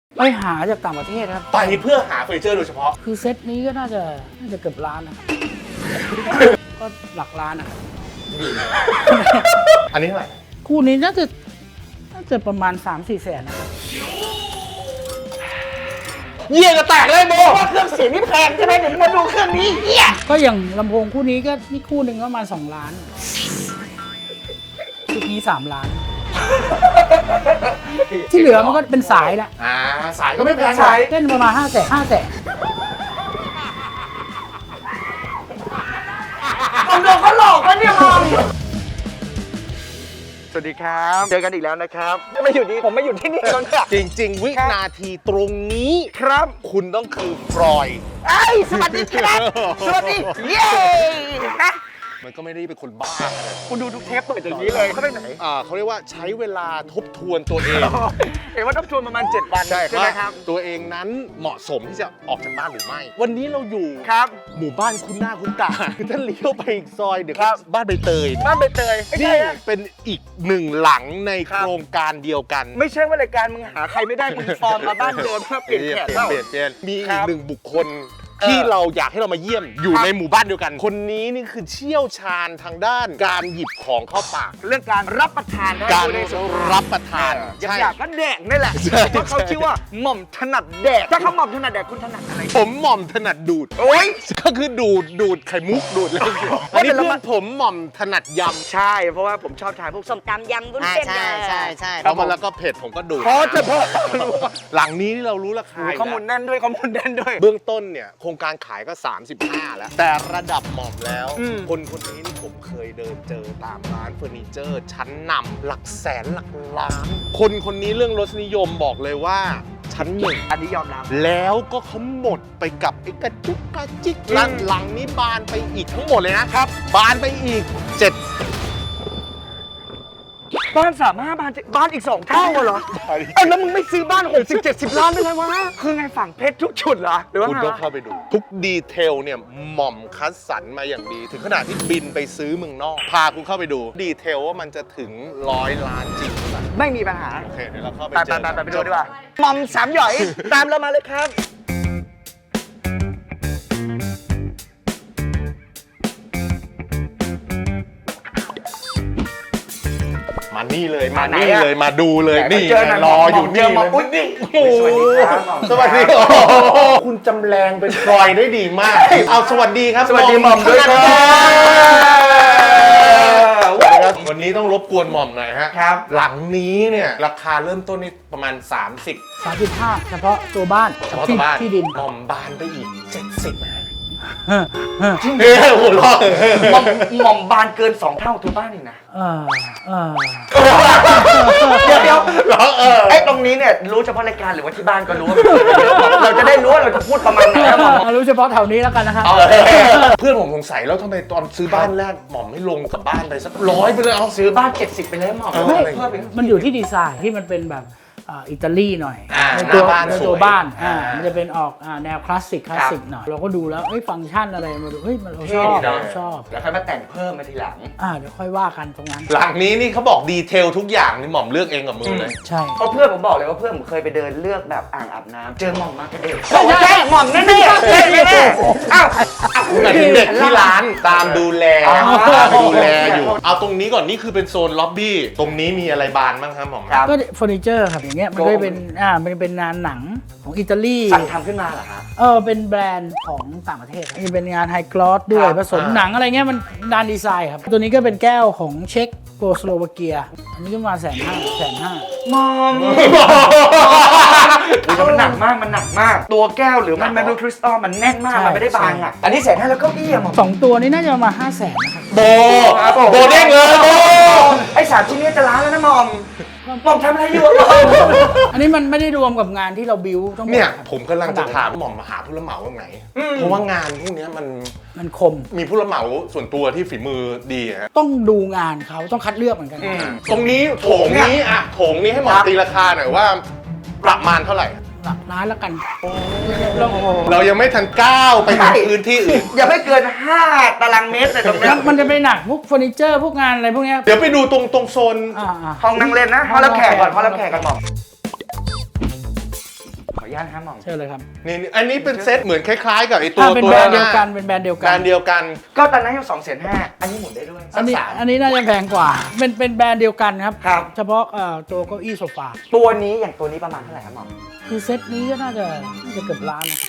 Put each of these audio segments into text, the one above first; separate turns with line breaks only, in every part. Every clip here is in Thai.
ไปหาจากต่างประเทศครับ
ไปเพื่อหาเฟอร์นิเจอร์โดยเฉพาะ
คือเซตนี้ก็น่าจะเกือบล้านนะครับ ก็หลักล้านนะครับ
อันนี้เท่าไหร่
คู่นี้น่าจะประมาณ 3-4 แสนนะครับ
เยี่ยจะแตกเลยโบ
ว่าเครื่องเสียงนี่แพงใช่ไหมเดี๋ยวมาดูเครื่องนี้เฮีย
ก็อย่างลำโพงคู่นี้ก็นี่คู่หนึ่งก็ประมาณ2 ล้านชุดนี้3 ล้าน ที่เหลือมันก็เป็นสายละ
สายก็ไม่แพง
ใช้
เล่นประมาณ5 แสน
ผมโดนเขาหลอกแล้วเนี่ยมองสวัสดีครับเจอกันอีกแล้วนะครับไม่อยู่ดีผมไม่อยู่ที่นี่แล้วเนี่ย
จริง ๆ วินาทีตรงนี้
ครับ
คุณต้องคือฟรอยด์
ไอ้ยสวัสดีครับสวัสดีเย้นะ
มันก็ไม่ได้เป็นคนบ้า
คุณดูทุกเทปเปิดอย่างนี้เลยเขาไปไหน
เขาเรียกว่าใช้เวลาทบทวนตัวเอง
เห็นว่าต้องชวนประมาณ7 วัน
ใช่
ไหมครับ
ตัวเองนั้นเหมาะสมที่จะออกจากบ้านหรือไม่ วันนี้เราอยู่
ครับ
หมู่บ้านคุณหน้าคุณตา คือถ้าเลี้ยวไปอีกซอยเดี๋ยว
ครับ
บ้านใบเตย
บ้านใบเตยไม่
นี่
ใช่อะ
เป็นอีกหนึ่งหลังใน
ครั
โค
บ
รงการเดียวกัน
ไม่ใช่ว่ารายการมึงหาใครไม่ได้มึงฟอร์มมาบ้านเดิมเพื่อเปลี่ยนแขกเปล่า
เปลี่ยนมี
ค
อี
รั
ก
บ
หนึ่งบุคคลที่เราอยากให้เรามาเยี่ยมอยู่
ครับ
ในหมู่บ้านเดียวกัน คนนี้นี่คือเชี่ยวชาญทางด้านการหยิบของเข้าปาก
เรื่องการรับประทานนะ
การ
อยู่ในสงคม
รับประทาน
อยากก็แดกนี่แหละ
ใช่
เพราะเขาชื่อว่าหม่อมถนัดแดกถ้าเขาหม่อมถนัดแดกคุณถนัดอะไร
ผมหม่อมถนัดดูด
โอ้ย
ก็คือดูดไข่มุกดูดอะไรอย่างเงี้ยอันนี้
แต่เรา
เพื่อ
มา
นผมหม่อมถนัดย
ใช่เพราะว่าผมชอบทานพวกส้มตำยำวุ้นเส้น
ใช่
ำแล้วมาแล้วก็เผ็ดผมก็ดูด
พอจะพอ
หลังนี้เรารู้ราคา
ข้อมูลแน่นด้วยข้อมูลแน่นด้วย
เบื้องต้นเนี่ยโครงการขายก็ 35 แล้ว แต่ระดับหม่อมแล้ว
อืม
คนนี้นี่ผมเคยเดินเจอตามร้านเฟอร์นิเจอร์ชั้นนำหลักแสนหลักล้าน คนนี้เรื่องรสนิยมบอกเลยว่าชั้นหนึ่ง
อันนี้ยอมรับ
แล้วก็เขาหมดไปกับไอ้กระจุกกระจิกร้านหลังนี้บานไปอีกทั้งหมดเลยนะครับ บานไปอีก
บ้าน35บ้านอีก2 เท่าเหรอเอ้าแล้วมึงไม่ซื้อบ้าน60-70 ล้านไปเลยวะคือไงฝั่งเพชรทุกจุดเหรอหรือว่า
คุณ
ไง
ต้อง
วะ
เข้าไปดู ทุกดีเทลเนี่ยหม่อมคัดสรรมาอย่างดี ถึงขนาดที่บินไปซื้อเมืองนอก พาคุณเข้าไปดู ดีเทลว่ามันจะถึง100 ล้านจริงหรือเปล่า
ไม่มีปัญหา
โอเคเดี๋ยวเราเข้าไป
ไป
เจอกัน
ไปดูดีกว่าหม่อมสามหย่อย ตามเรามาเลยครับ
มานี่เลยมา
ไหน
นี่
อะ
เลยมาดูเลย
ไหน
นี่
เจอหน่อย
รออยู่
เจ
นี่
อหม่อมอุ๊ยนี่
โอ้โห
สวัสดีครับ
คุณจำแรงเป็นฟรอยได้ดีมาก เอาสวัสดีครับ
สวัสดีหม่อมด้วยครับ
วันนี้ต้องรบกวนหม่อมหน่อยฮะ
ครับ
หลังนี้เนี่ยราคาเริ่มต้นนี่ประมาณ 30
35เฉพาะตัวบ้าน
เฉพาะตัวบ้าน
ที่ดิน
หม่อมบานไปอีก 70นะ
จริง
เฮ้ยหัวเราะ
หม่อมบานเกิน 2 เท่าตัวบ้านอีกนะ
เออ
เดี๋ยว
เหรอ
ไอ้ตรงนี้เนี่ยรู้เฉพาะรายการหรือว่าที่บ้านก็รู้ว่าเราจะได้รู้ว่าเราจะพูดประมาณไหนนะหม่อม
รู้เฉพาะแถวนี้แล้วกันนะครับ
เพื่อนผมสงสัยแล้วทำไมตอนซื้อบ้านแรกหม่อมไม่ลงกับบ้านไปสัก100ไปเลยเอา
ซื้อบ้าน 70 ไปเลยหม่อม
เออ
เพิ่มอีก
มันอยู่ที่ดีไซน์ที่มันเป็นแบบอิตาลีหน่อย
ใน
ในตัว
หน้าบ้าน
ใน
สวย
ตัวบ้าน
มั
มันจะเป็นออกแนวคลาสสิกหน่อยเราก็ดูแล้วฟังก์ชันอะไรมาดูเราชอบ ชอบ
แล้วค่อยมาแต่งเพิ่มมาทีหลัง
เดี๋ยวค่อยว่ากันตรงนั้น
หลังนี้นี่เขาบอกดีเทลทุกอย่างนี่หม่อมเลือกเองกับมือเลย
ใช่
เพราะเพื่อนผมบอกเลยว่าเพื่อนผมเคยไปเดินเลือกแบบอ่างอาบน้ำเจอหม่อมมากระเด็นบอกว่าใช่หม่อมแน่ๆใช่แน่ๆอ้าว
หมายถึงเด็กที่ร้านตามดูแล
อ๋อ
ตามดูแลอยู่ เอาตรงนี้ก่อนนี่คือเป็นโซนล็อบบี้ ตรงนี้มีอะไรบานบ้างครับหม่อม
ครับ
ก็เฟอร์นิเจอร์ครับอย่างเงี้ยมันก็เป็นมันเป็นงานหนังของอิตาลี
สั่งทำขึ้นมาเหรอครับ
เป็นแบรนด์ของต่างประเทศนี่เป็นงานไฮกลอสด้วย
ครับ
ผสมหนังอะไรเงี้ยมันด้านดีไซน์ครับตัวนี้ก็เป็นแก้วของเช็กโกสโลวาเกียอันนี้ก็มา150,000
หม่อมมันหนักมากมันหนักมาก ตัวแก้วหรือมันแมบลูคริสตัลมันแน่นมากมันไม่ได้บางอ่ะอันนี้150,000แล้วเก็อี้อะหม่อม
สองตัวนี้น่าจะประมาณ500,000นะครับ
โบโบเด้งเลยโบ
ไอ้3 ชิ้นนี้จะล้านแล้วนะหม่อมหม่อมทำอะไรอยู่อะหม่อม
อันนี้มันไม่ได้รวมกับงานที่เราบิวต้องบอก
เนี่ย
ครับ
ผมกำลังจะถามหม่อมมาหาผู้รับเหมาตรงไหน เพราะว่างานพวกเนี้ยมัน
มันคม
มีผู้รับเหมาส่วนตัวที่ฝีมือดีอะฮะ
ต้องดูงานเขาต้องคัดเลือกเหมือนกัน
ตรงนี้โถงนี้อะโถงนี้ให้หมอตีราคาหน่อยว่าประมาณเท่าไหร่
หลักล้านแล้วกัน
เรายังไม่ทันก้าวไปถึงพื้นที่อื่น
อย่าไม่เกิน5 ตารางเมตรเลยตรงนี้
แล้วมันจะไปหนักพวกเฟอร์นิเจอร์พวกงานอะไรพวกเนี้ย
เดี๋ยวไปดูตรงโซน
อ่า
ห้องนั่งเล่นนะห้องรับแขกก่อนห้องรับแขกก่อนหม่อมอนุญาตนะครับหม่อม
เชิญเลยครับ
นี่อันนี้เป็นเซตเหมือนคล้ายๆ กับไอ้ตัว
เป็น
ตัว
แบร
ด้าน น
ด์
ห
เดียว
น้า
กันเป็นแบรนด์เดียว
แบ
กั
ร
น
นด์เดียวกัน
ก็ตอนนั้นอยู่2,500,000อันนี้หมุนได้ด้วย
อันนี้
สัก3
อันนี้น่าจะแพงกว่าเป็นแบรนด์เดียวกันครับ
ครับ
เฉพาะตัวเก้าอี้โซฟา
ตัวนี้อย่างตัวนี้ประมาณเท่าไหร่ครับหม่อม
คือเซตนี้ก็น่าจะเกือบล้านนะครับ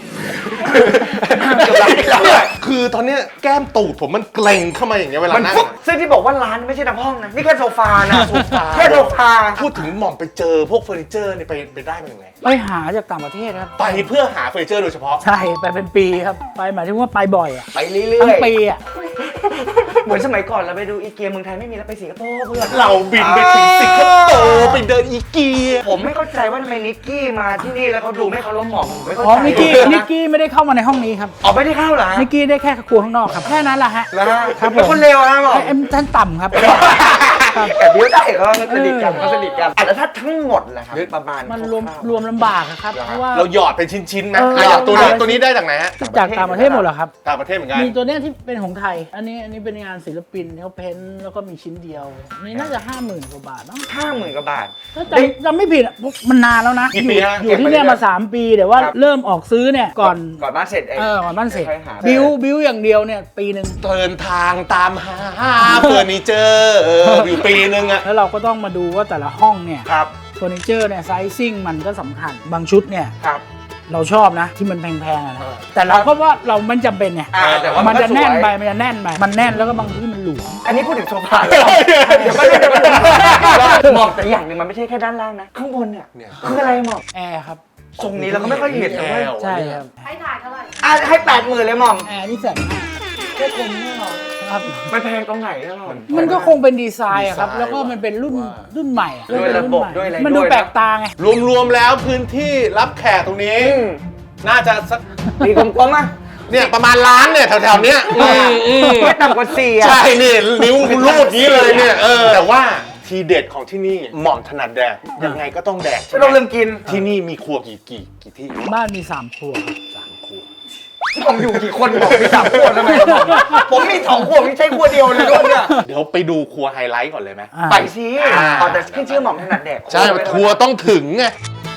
คือตอนเนี้ยแก้มตูดผมมันเกร็งเข้ามาอย่างเงี้ยเวลา
มัน
นั่ง
ฟุ๊บซึ่งที่บอกว่าร้านไม่ใช่ทั้งห้องนะ นี่แค่โซฟานะแค่โซฟา
พูดถึงหม่อมไปเจอพวกเฟอร์นิเจอร์เนี่ยไปได้มาอย่างไร
ไปหาจากต่างประเทศครับ
ไปเพื่อหาเฟอร์นิเจอร์โดยเฉพาะ
ใช่ไปเป็นปีครับไปหมายถึงว่าไปบ่อยอ่ะ
ไปเรื่
ทั้ง
อย
ปีอ่ะ
ๆ เหมือนสมัยก่อนเราไปดูอีเกียเมืองไทยไม่มีแล้วไปสิงคโปร์เพื่อน
เราบินไปถึงสิงคโปร์ไปเดินอีเกีย
ผมไม่เข้าใจว่าทำไมนิกกี้มาที่นี่แล้วเขาดูไม่เขาล้มหมองผมไม่เข้า
อ๋อ
ใจ
นิกกี้ไม่ได้เข้ามาในห้องนี้ครับ
อ๋อไม่ได้เข้าเหรอ
นิกกี้ได้แค่ครัวข้างนอกครับแค่นั้นแหละฮะ
แล้ว
ครับผม
เป็นคนเลวนะหมอ
เอ็มท่านต่ำครับ
แต่เดี๋ยวได้เขาสนิทกันเขาสนิทกันแล้วถ้าทั้งหมดล่ะครับประมาณ
มัน
คร่าวๆ
รวมลำบากอะครับเพราะว่า
เราหยอดเป็นชิ้นๆนะ
เออ
อย่างตัวนี้ได้จากไหนฮะ
จากต่างประเทศหมดเหรอครับ
ต่างประเทศเหมือนกัน
มีตัวเนี้ยที่เป็นของไทย อันนี้เป็นงานศิลปินเขาเพ้นท์แล้วก็มีชิ้นเดียวอันนี่น่าจะ 50,000 กว่าบาทเนาะ
50,000 กว่าบาท
ถ้าจำไม่ผิดอะมันนานแล้วนะ
กี่ปีฮะ
อยู่ที่เนี่ยมา 3 ปีแต่ว่า
ครับ
เริ่มออกซื้อเนี่ยก่อน
บ้านเสร็จเอง
ก่อนบ้านเสร็จ
ค่อยหา
บิวอย่างเดียวเนี่ยปีหนึ่ง
เดินทางตามหาเฟอร์นิเจอร์อยู่ปีนึงอะ
แล้วเราก็ต้องมาดูว่าแต่ละห้องเนี่ย
ครับ
เฟอร์นิเจอร์เนี่ยไซซิ่งมันก็สำคัญบางชุดเนี่ย
ครับ
เราชอบนะที่มันแพงๆอะนะแต่เราก็ว่าเรามันจำเป็นไง
แต่ว่า
มันจะแน่นไป
ก็สวย
มันจะแน่นไปมันแน่นแล้วก็บางที่มันหลวม
อันนี้พูดถึงโซฟาเดี๋ยวไม่หมอกแต่อย่างหนึ่งมันไม่ใช่แค่ด้านล่างนะ ข้างบนเนี่ย
เนี่ย
คืออะไรหมอก
แอร์ครับ
ทรงนี้เราก็ไม่ค่อยเห็นนะเว้ย
ใช่ครับ
ให้ถ่ายเท่าไหร่
ให้80,000เลยหมอม
แอร์นี่แสนห้า
แค่คนนี่หรอ
ครับ
มันแพงตรงไหนอะหมอม
มันก็คงเป็นดีไซน์อะครับ
ดีไซน์
แล้วก็มันเป็นรุ่นใหม่อะ
ด้วยระบบด้วยอะไร
มันดู
ด้วยนะ
แปลกตาไง
รวมๆแล้วพื้นที่รับแขกตรงนี้ น่าจะสัก
มีกลมๆอ่ะ
เนี่ยประมาณล้านเนี่ยแถวๆเนี้ย
ไม่ต่ำกว่า4อ่ะ
ใช่นี่นิ้วรูดนี้เลยเนี่ยแต่ว่าทีเด็ดของที่นี่หม่อมถนัดแดกยังไงก็ต้องแดก
ไม่ต้องเรื่องกิน
ที่นี่มีครัวกี่ที่
บ้านมี3 ครัวครับ
3 ครัว
ผมอยู่กี่คนบอกมี3 ขวดทำไมผมมี2 ขวดไม่ใช่ขวดเดียวเลยด้วยเนี่ย
เดี๋ยวไปดูครัวไฮไลท์ก่อนเลยไหม
ไปสิแต่ขึ้นชื่อหม่อมถนัดแดก
ใช่ครัวต้องถึงไง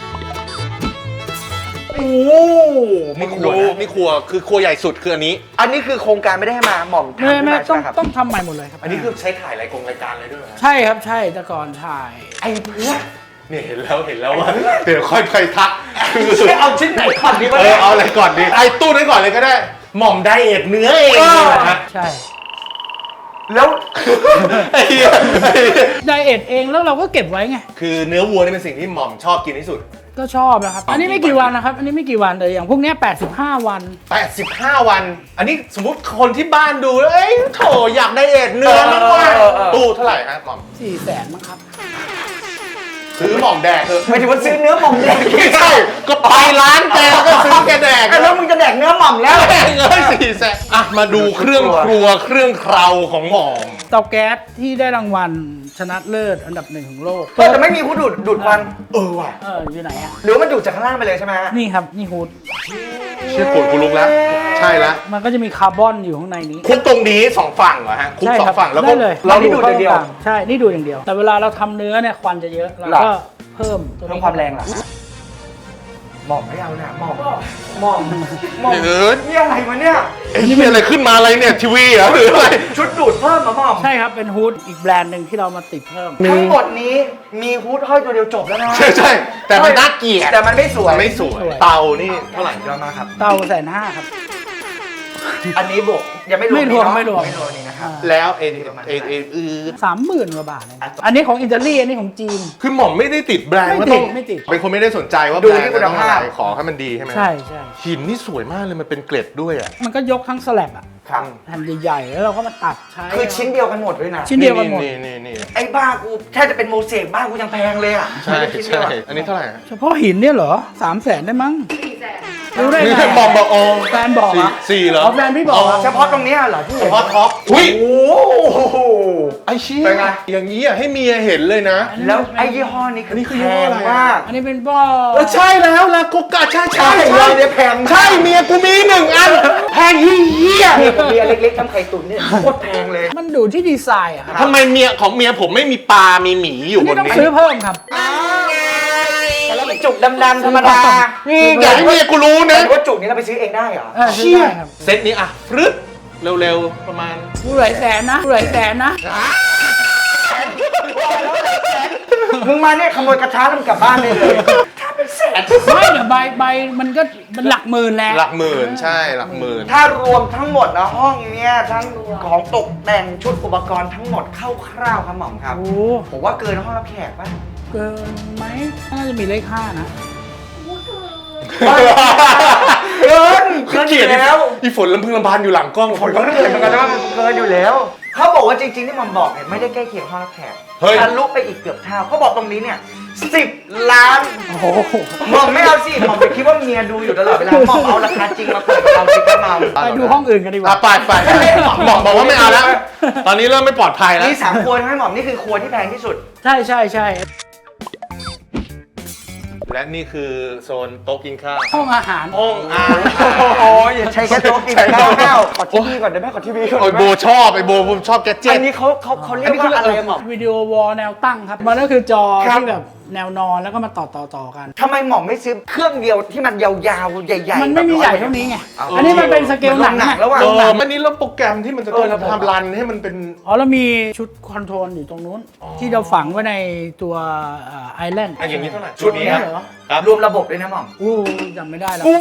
โอ้
นี่ครัวนะนี่ครัวคือครัวใหญ่สุดคืออันนี้
อันนี้คือโครงการไม่ได้ให้มาหม่อมทำขึ้น
ไม่
มา
ต้อง
ใช่ไหมครับ
ต้องทำใหม่หมดเลยครับ
อันนี้คือใช้ถ่ายรายการเลยด้วยเหรอ
ใช่ครับใช่แต่ก่อนถ่าย
ไอ้เพื่อน
เนี่ยเห็นแล้วว่าเดี๋ยวค่อยไปทักคือ
ช่วยเอาชิ้นไหนก่อนดีวะ
เอาอะไรก่อนดีไอ้ตู้นั้นก่อนเลยก็ได้ หม่อมไดเอทเนื้อเองนี่แหละฮะ
ใช่
แล้ว
ไอ้เหี้ย
ไดเอทเองแล้วเราก็เก็บไว้ไง
คือเนื้อวัวนี่เป็นสิ่งที่หม่อมชอบกินที่สุด
ก็ชอบนะครับ อันนี้ไม่กี่วันนะครับ อันนี้ไม่กี่วันแต่อย่างพวกเนี้ย85 วัน
85 วัน อันนี้สมมติคนที่บ้านดูแล้วเอ้ยโถอยากไดเอทเนื้อนี่ว่าตู้เท่าไหร่ฮะหม่อม
400,000มั้งครับ
ซื้อหม่อมแดกเถอะ
หมายถึงว่าซื้อเนื้อหม่อมแดก
ไม่ใช่ก็ไปร้านแกแล้วก็ซื้อแกแดก
แล้วมึงจะแดกเนื้อหม่อมแล้ว
แดกเลย400,000อ่ะมาดูเครื่องครัวเครื่องเคราของหม่อม
เตาแก๊สที่ได้รางวัลชนะเลิศอันดับ 1 ของโลก
แต่ไม่มีผู้ดูดควัน
ว่ะ
อยู่ไหนอ่ะ
หรือว่ามันดูดจากข้างล่างไปเลยใช่ไหมฮะ
นี่ครับ นี่ฮูด
ชื่อปวดกูลุกแล้ว ใช่แล้ว
มันก็จะมีคาร์บอนอยู่ข้างในนี้
คุกตรงนี้2ฝั่งเหรอฮะคุก
ใช่
สอ
ครั
งฝั่งแล้วก็
ได้เลย
เรานี่ดูดอย่างเดียว
ใช่ นี่ดูดอย่างเดียว แต่เวลาเราทำเนื้อเนี่ยควันจะเยอะเราก็เพิ่มตัว
เพิ่ม
นี้
ความแรงเหรอหม่อมไม่เอานะหม่อมหม่อมนี่อะไรวะเนี่ย
เอ้ยนี่มีอะไรขึ้นมาอะไรเนี่ยทีวีเหรอหรืออะไร
ชุดดูดเพิ่มมาหม่อม
ใช่ครับ เป็นฮูดอีกแบรนด์หนึ่งที่เรามาติดเพิ่ม
ทั้งหมดนี้มีฮูดห้อยตัวเดียวจบแล้วนะ
ใช่แต่มันน่าเกลียด
แต่มันไม่สวย
มันไม่สวยเตานี่เท่าไหร่
เยอะมากครับ
เตา150,000ครับ
อันนี้บวกยังไม่รวม
ไม่รวม
นี่เนอะ
ไม่รวม
ไม่รวมนี่นะครับ
แล้ว
30,000 กว่าบาทเลยอันนี้ของอิตาลีอันนี้ของจีน
คือหม่อมไม่ได้ติดแบรนด์
ไม่
ว่า
ติ
ต้
ด
อง
ไม่ติด
เป็นคนไม่ได้สนใจว่า
ดู
แบรน
ที่
ด์
คุณ
ต้อง
ภาพ
อะไรขอให้มันดีใช่ไหม
ใช่ใช่
หินนี่สวยมากเลยมันเป็นเกล็ดด้วยอ่ะ
มันก็ยกทั้งสแลบอะ
ครับ
แผ่นใหญ่ๆแล้วเราก็มาตัดใช้
คือชิ้นเดียวกันหมดด้วยนะ
ชิ้นเดียวกันหมด
นี่
ไอ้บ้ากูแทบจะเป็นโมเสกบ้านกูยังแพงเลยอ่ะ
ใช่
ชิ้นเดีย
ใช่
วอะ
อันนี้เท่าไหร่ฮะ
เฉพาะหินเนี่ยเหรอ 300,000 ได้มั้ง
400,000
รู้ได้
นี่
ไง
หม่อมบอกโอ้
แฟนบอกอะ
สี่เหรอ
แฟนพี่บอกอะ
เฉพาะตรงเนี้ยเหรอพี่
เฉพาะท็อปอุ้ย
โอ้โห
ไอ้เชี่ย
เป็นไง
อย่างนี้อ่ะให้เมียเห็นเลยนะ
แล้วไอ้ยี่ห้อนี้
อันนี้คือ
แพ
ยี่ห้อง อะไรอะ
มาก
อันนี้เป็นป้อ
ใช่แล้วลาโกกาใช่
ใช่เราเนี่ยแพง
ใช่เมียกูมี1 อันแพงเหี้ย
เนี่ยผมมีอันเล็กๆทำไข่ตุ๋นเนี่ยโคตรแพงเลย
มันดูที่ดีไซน์อะครับ
ทำไมเมียของเมียผมไม่มีปลา มีหมีอยู่
อัน
บ
นี้
น
ต้อง
นี้
ซื้อเพิ่มครับ
แต่แล้วไม่จุกดำๆธรรมดา
อย่าให้เมียกูรู้นะ
แต่ว่าจุกนี้เราไปซื้อเองได้เหรอ
ซื้อได้ครับ
เซตนี้อ่ะฟรึดเร็วๆประมาณ
ผู้หลายแสนนะผู้หลายแสนนะ
มึงมาเนี่ยขโมยกระทะแล้วมึงกลับบ้านได้เลยถ้าเป็นแสน
ไม่เดี๋ยวใบมันก็มันหลักหมื่นแหละ
หลักหมื่นใช่หลักหมื่น
ถ้ารวมทั้งหมดนะห้องเนี้ยทั้งของตกแต่งชุดอุปกรณ์ทั้งหมดคร่าวๆครับหม่อมครับ
โอ้
ผมว่าเกินห้องรับแขกป่ะ
เกินไหมน่าจะมีเลข5นะ
เกิน
เกลียด
แล้ว
อีฝนลำพึงลำพันอยู่หลังกล้อง
ผลก็เกินเหมือนกันนะว่ามันเกินอยู่แล้วเขาบอกว่าจริงๆที่หม่อมบอกเนี่ยไม่ได้ใกล้เคียงห้องรับแขกทะลุไปอีกเกือบเท่าเขาบอกตรงนี้เนี่ย10 ล้าน
โอ้โห
หม่อมไม่เอาสิหม่อมไปคิดว่าเมียดูอยู่ตลอดเวลาหม่อมเอาราคาจริงมาเปิดกับเราสิครับหม่อม
ไปดูห้องอื่นกันดีก
อ่ะ
ว่า
ไปบอกว่าไม่เอาแล้ว ตอนนี้เริ่มไม่ปลอดภัยแล้ว
นี่3 ครัวใช่ไหมหม่อมนี่คือครัวที่แพงที่สุด
ใช่ใช่ใช่
และนี่คือโซนโต๊ะกินข้าว
ห้องอาหาร
ห้องอา
โอ้ยอย่าใช้แค่โต๊ะกินข้าวขอทีวีก่อนได้ไหมขอทีวีก่อน
โอ้ยโบชอบไอโบผมชอบแกดเจ็
อั
ต
นนี้เขาเรียกว่าอะไรอะหม่อม
วิดีโอวอลแนวตั้งครับ มันก็คือจอ
ครับ
ที่แบบแนวนอนแล้วก็มาต่อกัน
ทำไมหม่อมไม่ซื้อเครื่องเดียวที่มันยาวๆใหญ่ๆ
มันไม่มีใหญ่เท่านี้ไง
เอา
อันนี้มันเป็นสเกลหนัง
มันลงหนั
อะ
งแล้วอะ
อันนี้แล้วโปรแกรมที่มันจะต้องทำรันให้มันเป็น
อ๋อแล้วมีชุดคอนโทรลอยู่ตรงนู้น ที่เราฝังไว้ในตัวไอแลนด์
อันอย่างนี้เท่าไหร่
ชุดนี้
เหรอ
ครับ
รวมระบบเลยนะหม่อม
อู้จำไม่ได้แล้ว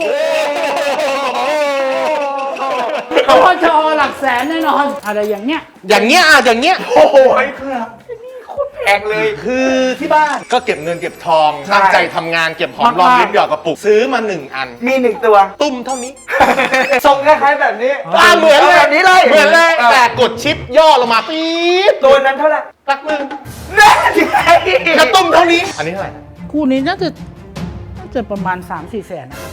เพราะว่าจอหลักแสนแน่นอนอะไรอย่างเนี้ย
อย่างเงี้ยอ่ะอย่างเงี้ย
โอ้โหเพื่อนนี่โคตรแพงเลย
คือที่บ้านก็เก็บเงินเก็บทอง
ใช่
ตั้งใจทำงานเก็บหอมรอมริบหยอกกระปุกซื้อมา1 อัน
มี1 ตัว
ตุ้มเท่านี้
ทรงคล้ายๆแบบนี้
เหมือนเลย
แบบนี้เลย
เหมือนเลยแต่กดชิปย่อลงมาปี๊ด
ตัวนั้นเท่าไหร่
ตักหนึ่ง
แน่จริง
กระตุ้มเท่านี้ อันนี้เท่าไหร่
คู่นี้น่าจะประมาณ 3-4 แสนนะ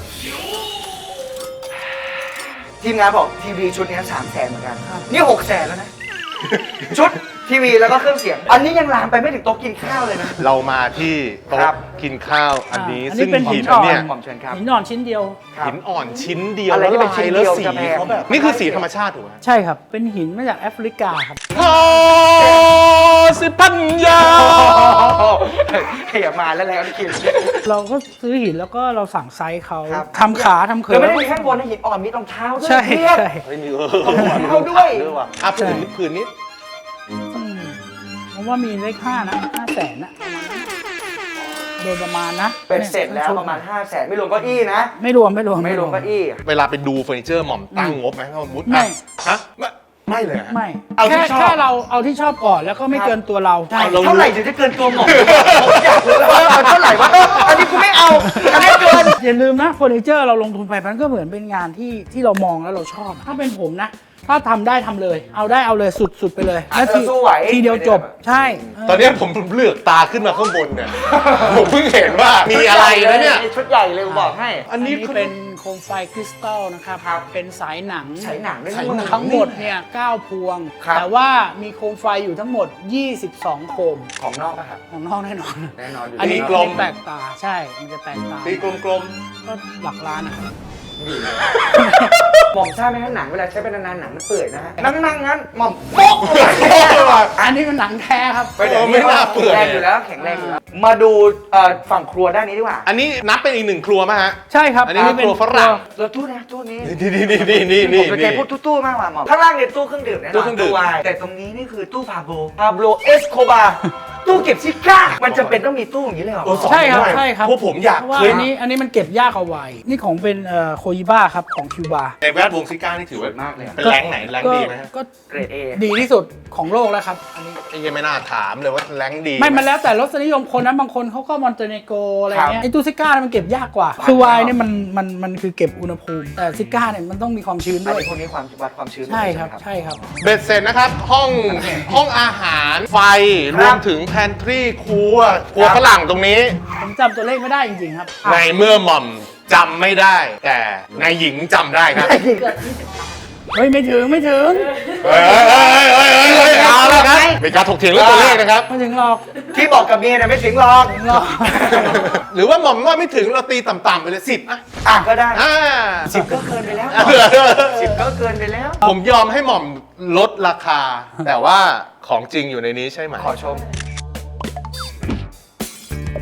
ทีมงานบอกทีวีชุดนี้3 แสนเหมือนกันนี่6 แสนแล้วนะ ชุดทีวีแล้วก็เครื่องเสียง อันนี้ยังลามไปไม่ถึงโต๊ะกินข้าวเลยนะ
เรามาที่
ครั
โต๊ะ
บ
กินข้าวอันนี้
อันนี้
ซึ่ง
เป็น
หิน
หินอ่อน
เนี่ย
หม่อมเชิญครับ
หินอ่อนชิ้นเดียว
ครับ
หินอ่อนชิ้นเดียว
อะไรที่เป็นชิ้นเดียว
แล้วสี
จะแพง
เขาแบบนี่คือสีธรรมชาติถูกไหม
ใช่ครับ เป็นหินมาจากแอฟริกาครับ
โอ้สิปัญญา
ขยับมาแล้วแล้วนี่คิด
เราก็ซื้อหินแล้วก็เราสั่งไซส์เขา
ครับ
ทำขาทำเขิ
แล้ว
น
ไม่ได้มีข้างบนนะหินอ่อนมีรองเท้าด้วย
ใช่
เพียบ
ใช่
เฮ้ยมี
เอาด้วย
ว่ะอ่ะผืนนี้
อืมผมว่ามีเลข5นะ5 แสนนะโดยประมาณนะ
เป็นเสร็จแล้วประมาณ5 แสนไม่รวมเก้าอี้นะ
ไม่รวมไม่รวม
ไม่รวมเก้าอี้
เวลาไปดูเฟอร์นิเจอร์หม่อมตั้งงบไหมถ้าสมมติ
ไม่
ฮะไม่เลยฮะ
ไม่
เอาที่
แค่
ชอบ
แค่เราเอาที่ชอบก่อนแล้วก็ไม่เกินตัวเราใช่
เอา
เท่าไหร่ถึงจะเกินตัวหม่อมผมอยากรู้แล้วว่าเอาเท่าไหร่วะอันนี้กูไม่เอาอันนี้เกิน
อย่าลืมนะเฟอร์นิเจอร์เราลงทุนไปมันก็เหมือนเป็นงานที่เรามองแล้วเราชอบ ถ้าเป็นผมนะ ถ้าทำได้ทำเลย เอาได้เอาเลยสุดไปเลยแล้ว
สู้ไหว
ทีเดียวจบใช่
ตอนนี้ผมเลือกตาขึ้นมาข้างบนเนี่ย ผมเพิ่งเห็นว่ามีอะไรนะเนี่ย
ชุดใหญ่เลยกูบอกให้
อันนี้
เป็นโคมไฟคริสตัลนะครับ
ครับ
เป็นสายหนัง
ใช้หนังด้วย
ใช้หนัง
ทั้งหมดเนี่ย9พวง
ครับ
แต่ว่ามีโคมไฟอยู่ทั้งหมด 22 โคม
ของนอกอะครับ
ของนอกแน่นอน
แน่นอนอยู่
อันนี้
ตีกลม
แปลกตาใช่ มันจะแปลกตา
ตีกลม
ก็หลักล้านนะครับ
หม่อมทราบไหมฮะหนังเวลาใช้ไปนานๆหนังมันเปื่อยนะฮะนั่งงั้นหม่อมโป๊กเลย
ๆ
อันนี้มันหนังแท้ครับ
ไปเดี๋ยว
ไม่น่าเปื่อย
แข็งแรงอยู่แล้วแข็งแรงอยู่แล้วมาดูฝั่งครัวด้านนี้ดีกว่า
อันนี้นับเป็นอีก1 ครัวไหมฮะ
ใช่ครับ
อันนี้เป็นครัวฝรั่ง
แล้วตู้นะตู้นี้
นี่
ผมจะใจพูดตู้มากกว่าหม่อมข้างล่างเนี่ยตู้เครื่องดื่มแน่นอน
ตู้เครื่องดื่ม
วายแต่ตรงนี้นี่คือตู้พาโบเอสโคบาตู้เก็บซิก้ามันจำเป็นต้องมีตู้อย่างนี้เลยเหรอ
ใช่ครับใช่ครับ
พวกผมอยาก
เพราะว่า
เคย
อันนี้มันเก็บยากเอาไว้ นี่ของเป็นโคยิบ้าครับของคิวบา
ในแวดวงซิก้านี่ถือว่า
มากเลยอะ
เป็นแรงค์ไหนแรงค์ดีไหมฮะ
ก็
เกรดเอ
ดีที่สุดของโลกแล้วครับ อันนี้
ไอ้ยังไม่น่าถามเลยว่าแรงค์ดี
ไม่มันแล้วแต่รสนิยมคนนะบางคนเขาก็มอนเตเนโกอะไรเงี้ย
ครับ
ไอ้ตู้ซิก้าเนี่ยมันเก็บยากกว่า คือไวน์เนี่ยมันคือเก็บอุณหภูมิ แต่ซิก้าเนี่ยมันต้องมีความชื้น
อัน
ด้วย
นี้พวกนี้ความวัดความชื้น
ใช่ครับ
ไหม
ใช่ครับ
เบ็ดเสร็จนะครับ ห้องอาหารไฟ
ครับ
รวมถึงแพนทรีครัวฝรั่งตรงนี้
ผมจำตัวเลขไม่ได้จริงๆครับ
ในเมื่อหม่อมจำไม่ได้ แต่นายหญิงจำได้ครับ
เฮ้ยไม่ถึง
เฮ้ยเอาละครับเป็นการถกเถียงเรื่องตัวเลขนะครับ
ไม่ถึงหรอก
ที่บอกกับเมียเนี่ยไม่ถึงหรอก
ถึงหรอก
หรือว่าหม่อมว่าไม่ถึงเราตีต่ำๆไปเลย10อ่ะ
อ่ะก็ได้
อ่า
10 ก็เกินไปแล้ว 10 ก็เกินไปแล้ว
ผมยอมให้หม่อมลดราคา แต่ว่าของจริงอยู่ในนี้ใช่ไหม
ขอชม
นะ
โ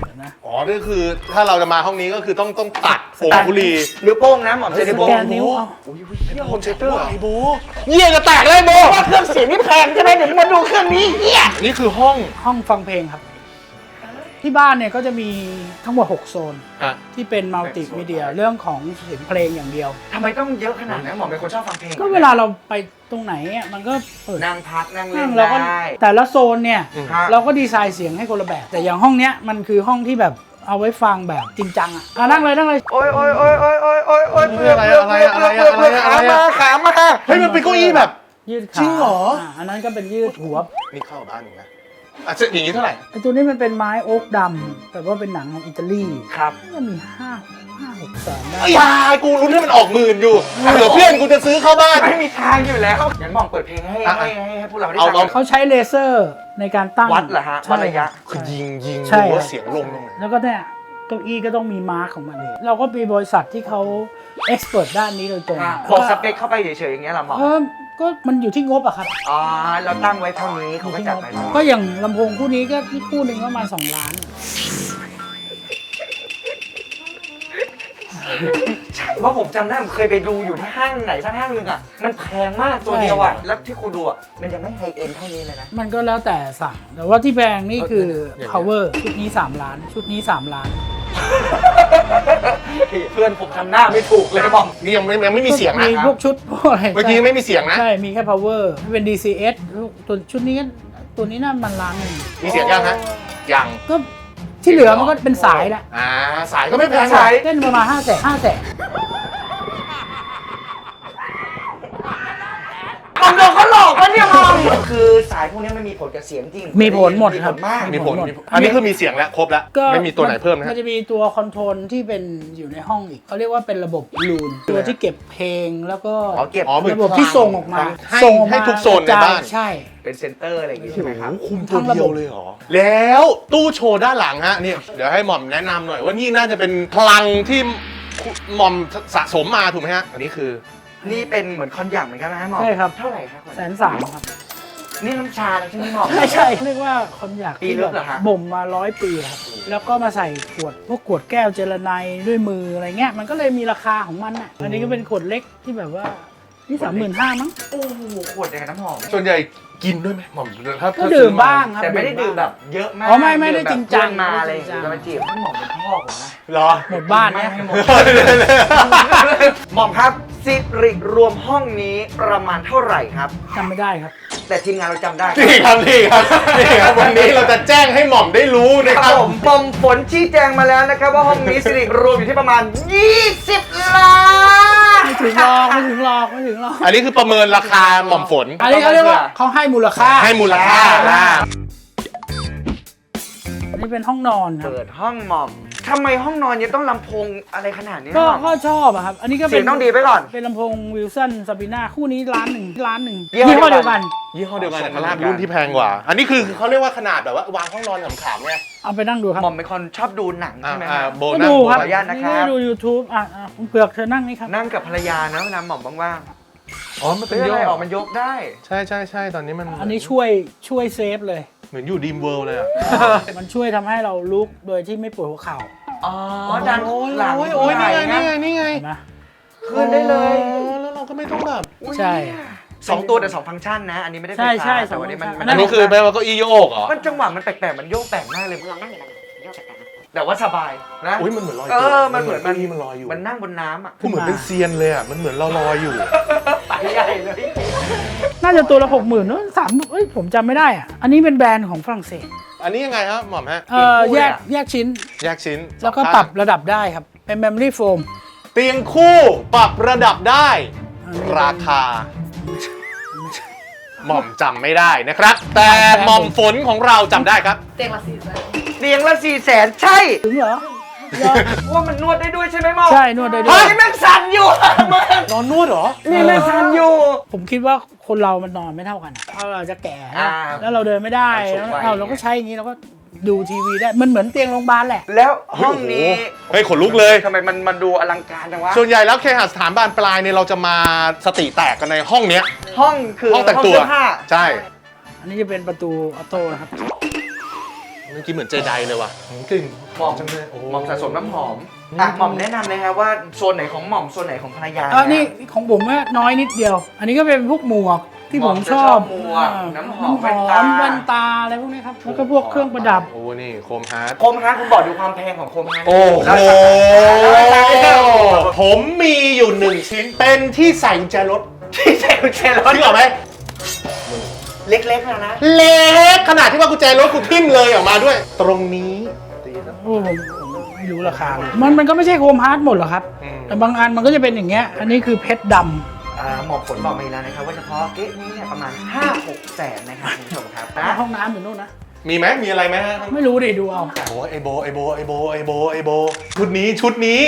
อ๋อนี่คือถ้าเราจะมาห้องนี้ก็คือต้องตัดโฟมบุหรี่
นิ้วโป้งนะหม่อมเซนนิ้วโป้ง
แกนนิ้วเอา
อุ้ยเฮียโฮมเซเตอร์
ไอ้โบเยี่ยจะแตกเลยโบ
ว่าเครื่องเสียงนี่แพงใช่ไหมเดี๋ยวมึงมาดูเครื่องนี้เฮีย
นี่คือห้อง
ห้องฟังเพลงครับ ที่บ้านเนี่ยก็จะมีทั้งหมด 6 โซน
อ่ะ
ที่เป็นมัลติมีเดียเรื่องของเสียงเพลงอย่างเดียว
ทำไมต้องเยอะขนาดนั้นหม่อมเป็นคนชอบฟังเพลง
ก็เวลาเราไปตรงไหนอ่ะมันก็เปิด
นั่งพักนั่งเล่
นั่
น
งเราก็
ได้
แต่ละโซนเนี่ย
ครับ
เราก็ดีไซน์เสียงให้คนละแบบ แต่อย่างห้องเนี้ยมันคือห้องที่แบบเอาไว้ฟังแบบจริงจังอ่ะนั่งเลยนั่งเลย
โอ้ยโอ้ยโอ้ยโอ้ยโอ้ยโอ้ยโอ้ยเพื่อขามาขามา
เฮ้ยมันเป็นเก้าอี้แบบ
ยืดขา
จริงเหรอ
อันนั้นก็เป็นยืดหัว
นี่เข้าบ้านหนึ่งนะอ่ะอย่างนี้เท่าไหร่
ไอ้ตัวนี้มันเป็นไม้โอ๊กดำแต่ว่าเป็นหนังของอิตาลี
ครับ
ก็มี5-6 แสนได้
ไอ้ยายกูลุ้นให้มันออกหมื่นอยู่เผื่อเพื่อนกูจะซื้อเข้าบ้าน
ไม่มีทางอยู่แล้วงั้นหม่อมเปิดเพลงให้พวกเราได้ฟัง
เอา
เขาใช้เลเซอร์ในการตั้ง
วัดเหรอฮะวัดระยะ
คือยิง
ใช่
ดูว่าเสียงลงตรงไหน
แล้วก็เนี่ยเก้าอี้ก็ต้องมีมาร์คของมันเองเราก็มีบริษัทที่เขาเอ็กซ์เพรสด้านนี้โดยตรง
บอกสเปคเข้าไปเฉยๆอย่างเงี้ยเหรอหม่อม
ก็มันอยู่ที่งบอะครับ
อ๋อเราตั้งไว้เท่านี้เขาก็จัดไป
ก็อย่างลำโพงคู่นี้ก็คู่หนึ่งก็ประมาณ2 ล้าน
เพราะผมจำได้ผมเคยไปดูอยู่ที่ห้างไหนสักห้างหนึ่งอ่ะมันแพงมากตัวเดียวอ่ะแล้วที่คุณดูอ่ะมันยังไม่ไฮเอ็นเท่านี้เลยนะ
มันก็แล้วแต่สั่งแต่ว่าที่แพงนี่คือ power ชุดนี้3 ล้าน ชุดนี้3 ล้าน
เพื่อนผมทำหน้าไม่ถูกเลยหม่อม
นี่ยังไม่มีเสียงนะ
มีพวกชุดพวกอะไร
เมื่อกี้ไม่มีเสียงนะ
ใช่ มีแค่ power เป็น DCS ตัวชุดนี้ก็ตัวนี้น่ามันล้านหนึ่ง
มีเสียงยังฮะยัง
ก็ที่เหลือมันก็เป็นสายแหละ
สายก็ไม่แพง
สาย
เล่นประมาณ5 แสน
หม่อมโดนเขาหลอกปะเนี่ยหม่อมคือสายพวกนี้มันมีผลกับเสียงจริง
มีผลหมดครับ
มาก
มีผลอันนี้คือมีเสียงแล้วครบแล้ว
ก็
ไม่มีตัวไหนเพิ่มนะ
มั
ฮะ
นจะมีตัวคอนโทรลที่เป็นอยู่ในห้องอีกเขาเรียกว่าเป็นระบบลูนตัวที่เก็บเพลงแล้วก็
อ๋อเก็บ
อ๋อเหมือน
ระบบที่ส่งออกมา
ให้
ส่งออกมา
ให้ทุกโซนในบ้าน
ใช่
เป็นเซนเตอร์อะไรอย่างงี้ใช่ไหมครับ
คุมตัวเดียวเลยเหรอ แล้วตู้โชว์ด้านหลังฮะเนี่ยเดี๋ยวให้หม่อมแนะนำหน่อยว่านี่น่าจะเป็นพลังที่หม่อมสะสมมาถูกไหมฮะ อันนี้คือ
นี่เป็นเหมือนคอนยักเหมือนกันนะฮะหม่อม
ใช่ครับ
เท่าไหร่ครับ
130,000ครับ
นี่น้ำชาใช่ไหมหม่อม
ไม่ใช่เรียกว่าคอนยัก
ปี
ที่
ลึ
แบ
กเหรอฮะ
บบ่มมา100 ปีครับแล้วก็มาใส่ขวดพวกขวดแก้วเจลาไนด์ด้วยมืออะไรเงี้ยมันก็เลยมีราคาของมันอ่ะอันนี้ก็เป็นขวดเล็กที่แบบว่านี่35,000มั้ง
โอ้โหขวดอย่างนั้นน้ำหอม
ส่วนใหญ่กินด้วยไหมหม่อมถ้า
ก็ดื่มบ้างครับ
แต่ไม่ได้ดื่มแบบเยอะมาก
อ๋อไม่ได้จริงจัง
ดื่มแบบเพื่อนมาอะไรอย่างเงี้ยจะมาจีบให้หม่อมเป็นพ่อผมนะ
เหรอ
หมดบ้าน
ไม่
นะ
ให้หมดหม่อมครับสิริรวมห้องนี้ประมาณเท่าไหร่ครับ
จำไม่ได้ครับ
แต่ทีมงานเราจำได้
นี่ครับนี่ครับนี่ครับวันนี้เราจะแจ้งให้หม่อมได้รู้นะ
ค
ค
รั
รั
บบ ผมปมฝนชี้แจงมาแล้วนะครับว่าห้องนี้สิริรวมอยู่ที่ประมาณ 20 ล้าน
ไม่ถึงหรอกไม่ถึงหรอกไม่ถึงหรอก
อันนี้คือประเมินราคาหม่อมฝน
อันนี้เขาเรียกว่าเขาให้มูลค่า
ให้มูลค่า
อันนี้เป็นห้องนอนครับ
เปิดห้องหม่อมทำไมห้องนอนยังต้องลำโพงอะไรขนาดนี้
ก็
หม่อม
ก็ชอบอะครับ อันนี้ก็
เสียงต้องดีไปก่อน
เป็นลำโพงวิลสันซาบิน่าคู่นี้ล้านหนึ่ง
ยี่ห้อ
ยี่ห้อเดียวกัน
ยี่ห้อเดียวกันแต่ขนาดรุ่นที่แพงกว่า อันนี้คือเขาเรียกว่าขนาดแบบว่าวางห้องนอนขำๆไง
เอาไปนั่งดูครับ
หม่อมเป็นคนชอบดูหนังใช่ไหมครับ
โบ
ก็
นัส
ดูครับ
ขออนุญาตนะครับ
นี่ก็ดู YouTube คุณเผือกเธอนั่งนี่ครับ
นั่งกับภรรยานะเวลาหม่อมว่าง
อ๋อ มัน
ๆ
เป็น
เพื่อ
โย
อะไร
ก
ออกมันยกได้
ใช่ใช่ใช่ตอนนี้มัน
อันนี้ช่วยเซฟเลย
เหมือนอยู่ดีมเวิลด์เลยอะ
มันช่วยทำให้เราลุกโดยที่ไม่ปวดหัวเข่า
อ๋อดันหลัง
โอ้ยนี่ไง
นะ
นี่ไง
เห็นไหม
ขึ้นได้เลย
อ๋อแล้วเราก็ไม่ต้องแบบ
ใช่
สองตัวแต่สองฟังก์ชันนะ อันนี้ไม่ได้ไฟ
ใช่
ฟ้า
ใช่
แต่วันนี้มัน
สองฟังก์ชั
อันนี้คือแปลว่าเก็อีโยกเหรอ
มันจังหวะมันแปลกๆมันโยกแปลกมากเลย
ลองนั่งอยู่มันโยกแปลกๆนะ
แต่ว่าสบายนะ
อุ้ยมันเหมือนลอย
มันเหมือน
ก้าอี้มันลอยอยู่
มันนั่งบนน้ำอ่ะ
กูเหมือนเป็นเซียนเลยอ่ะ มันเหมือนเราลอยอยู่
ไปใหญ่เลย
น่าจะตัวละ60,000นู้น3ผมจำไม่ได้อ่ะ อันนี้เป็นแบรนด์ของฝรั่งเศส
อันนี้ยังไงครับหม่อมฮะ
แยกชิ้น
แยกชิ้น
แล้วก็
สอง
ป
ข้าง
รับระดับได้ครับ เป็น memory foam
เตียงคู่ปรับระดับได้ ราคา หม่อมจำไม่ได้นะครับ แต่หม่อมฝนของเราจำได้ครับ
เตียงละ400,000
เตียงละ400,000ใช่
ถึงเหรอ
ว่ามันนวดได้ด้วยใช่ไหมหมอ
ใช่นวดได้ด้ว
เฮ้
ย
ยแม่งสั่นอยู่มึง
นอนนวดเหรอ
นี่แม่งสั่นอยู่
ผมคิดว่าคนเรามันนอนไม่เท่ากันเราจะแก่นะ
อ่า
แล้วเราเดินไม่ได้
สูงวัย
เราก็ใช้อย่างนี้เราก็ดูทีวีได้ มันเหมือนเตียงโรงพยาบาลแหละ
แล้วห้องนี้
เฮ้ยขนลุกเลย
ทำไมมันดูอลังการจังวะ
ส่วนใหญ่แล้วเคหสถานบานปลายเนี่ยเราจะมาสติแตกกันในห้องเนี้ย
ห้องคือ
ห้องแต่งตัว
เสื้อผ้า
ใช่
อันนี้จะเป็นประตูออโต้นะครับ
เมื่อกี้เหมือนเจไดเลยว่ะกลิ่น
หม่อม
จังเลยโอ้
หม่อมสะสมน้ำหอมอ่ะหม่อมแนะนำเลยครับว่าโซนไหนของหม่อมโซนไหนของภรรยา
นี่ของผมว่าน้อยนิดเดียว อันนี้ก็เป็นพวกหมวกที่ผมชอบ
หมวกน้ำหอม
แว่นตาอะไรพวกนี้ครับแล้วก็พวกเครื่องประดับ
โอ้นี่โคมฮาร์ด
โคมฮาร์ดคุณบอกดูความแพงของโคมฮาร์ด
โอ้โห
แล้วราคาที่เท่าไหร่
ผมมีอยู่1 ชิ้น เป็นที่ใส่กุญแจรถ
ที่ใส่กุญแจรถ
นึกออกไหม
เล็กๆนะ
เล็กขนาดที่ว่ากุญแจรถกูทิ่มเลยออกมาด้วย ตรงนี้
โอ้ผมไม่รู้ราคาเลยมันก็ไม่ใช่โคมฮาร์ดหมดหรอกครับ
อืม
แต่บางอันมันก็จะเป็นอย่างเงี้ย อันนี้คือเพชรดำ
หมอผลบอกมาอีกแล้วนะครับว่าเฉพาะเก๊ะนี้เนี่ยประมาณ 5-6 แสนนะครับคุณผู้ชมครับนะ
ห้องน้ำอยู่นู่นนะ
มีไหมมีอะไรไหมฮะ
ไม่รู้ดิดูเอา
โอ้ไอโบชุดนี้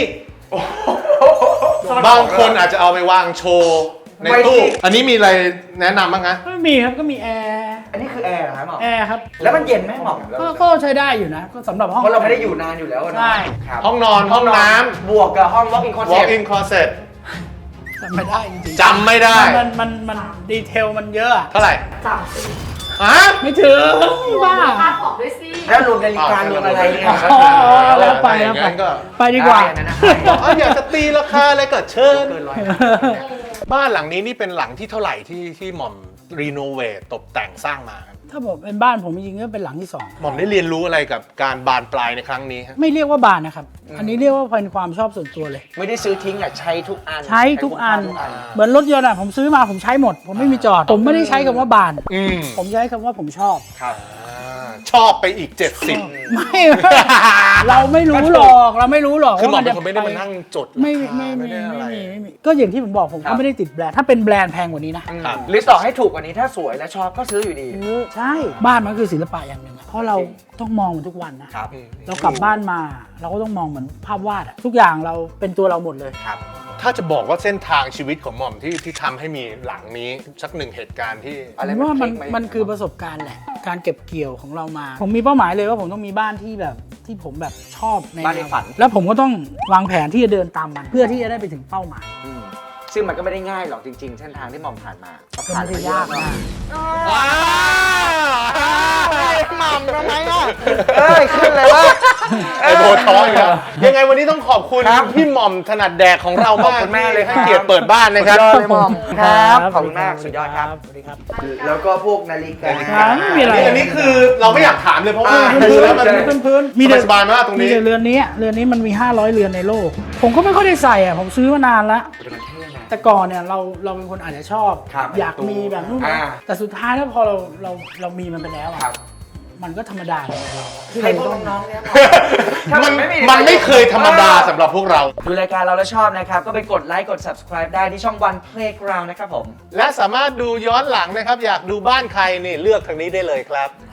บางคนอาจจะเอาไปวางโชว์ในตู้ อันนี้มีอะไรแนะนำบ้างฮะ
ไม่มีครับก็มีแอร์
อันนี้คือแอร์เหรอครับหมอ
แอร์ครับ
แล้วมันเย็นไหมหมอ
ก็ใช้ได้อยู่นะ ก็สำหรับห้อง
เพราะเราไม่ได้อยู่นานอยู่แล้วนะ
ใช่
ครับ
ห้องนอนห้องน้
บวกกับห้อง walk in
ำ
closet
walk in closet
จำไม่ได้จริงๆ
จำไม่ได้
มันดีเทลมันเยอะอะ
เท่าไหร่
30
ฮะ
ไม่ถึงบ้า
ค่าของด้วยสิ
แล้วรวมนาฬิการวมอะไรเนี่ย
อ๋อแล้วไป
อย่างนั้นก็
ไปดีกว่า
ได้นะ
อยากจะตีราคาอะไรก็เชิญ
เกินร้อย
บ้านหลังนี้นี่เป็นหลังที่เท่าไหร่ที่หม่อมรีโนเวทตกแต่งสร้างมาครับ
ถ้าผมเป็นบ้านผมจริงๆก็เป็นหลังที่ 2
หม่อมได้เรียนรู้อะไรกับการบานปลายในครั้งนี้ฮะ
ไม่เรียกว่าบ้านนะครับ อันนี้เรียกว่าเป็นความชอบส่วนตัวเลย
ไม่ได้ซื้อทิ้งอ่ะใช้ทุกอัน
ใช้ทุกอัน เหมือนรถยนต์อ่ะผมซื้อมาผมใช้หมด ผมไม่มีจอด ผมไม่ได้ใช้คำว่าบ้าน
อืม
ผมใช้คำว่าผมชอบ
ครับ
ชอบไปอีก 70
ไม่ เราไม่รู้หรอกเราไม่รู้หรอก
คือหม่อม
ว่า
เป็นคนไม่ได้มานั่งจด
ไม่
ราคา
ไม่
ได้อะไร
มีก็อย่างที่ผมบอกผม
ครั
ก็
บ
ไม่ได้ติดแบรนด์ถ้าเป็นแบรนด์แพงกว่านี้นะ
ครับ
หรือต่อให้ถูกกว่านี้ถ้าสวยและชอบก็ซื้ออยู่ดี
ใช่บ้านมันคือศิลปะอย่างหนึ่งอะเพราะเราต้องมองมันทุกวันนะครับ เรากลับบ้านมาเราก็ต้องมองเหมือนภาพวาดอะทุกอย่างเราเป็นตัวเราหมดเลย
ครับ
ถ้าจะบอกว่าเส้นทางชีวิตของหม่อมที่ทำให้มีหลังนี้สักหนึ่งเหตุการณ์ที่
อะไร
ผมว่า
มั
มันคือประสบการณ์แหละ การเก็บเกี่ยวของเรามา ผมมีเป้าหมายเลยว่าผมต้องมีบ้านที่แบบที่ผมแบบชอบใน
บ้านในฝัน
แล้วผมก็ต้องวางแผนที่จะเดินตามมัน เพื่อที่จะได้ไปถึงเป้าหมาย
ซึ่งมันก็ไม่ได้ง่ายหรอกจริงๆ เส้นทางที่หม่อมผ่านมา
ก็
ผ่าน
ไม่
มา
ได้
เย
ยา
อะ
ก
เนาะ
มาก
ว้าว
หม่ำทำไมอ่ะเอ้ยขึ้นเลยว่า
ไอโบท้อยครับยังไงวันนี้ต้องขอบคุณ
ครับ
พี่หม่อมถนัดแดกของเรา
ขอบ
มาก
คุณมากเลย
ให้
ครับ
เกียรติเปิดบ้านนะครับ
สุดยอดเลยหม่อมครับขอบคุณมาก
ส
สุ
วั
ด
ส
ยอดครับ
สวัสดีครับ
แล้วก็พวกนาฬิกา
ไม่มีอะไร
อันนี้คือเราไม่อยากถามเลยเพราะว่า
อ่า
ดูแล้วมัน
พื้นๆ
สบายๆมากตรงนี้
มีแต่เรือนนี้มันมี500เรือนในโลก ผมก็ไม่ค่อยได้ใส่อ่ะผมซื้อมานานแล้ว
แต่มันเท่นะ
แต่ก่อนเนี่ยเราเป็นคนอาจจะชอบ
ครับ
อยากมีแบบนู่น
อ่า
แต่สุดท้ายแล้วพอเรามีมันไปแล้ว
ครั
อ่ะ
บ
มันก็ธรรมดาของเราที่
ให้
เรา
พวก
ต้อง
น้องๆเนี่ย
มันไม่เคยธรรมดาสำหรับพวกเรา
ดูรายการเราแล้วชอบนะครับ ก็ไปกดไลค์กด subscribe ได้ที่ช่อง One Playground นะครับผม
และสามารถดูย้อนหลังนะครับ อยากดูบ้านใครนี่เลือกทางนี้ได้เลยครับ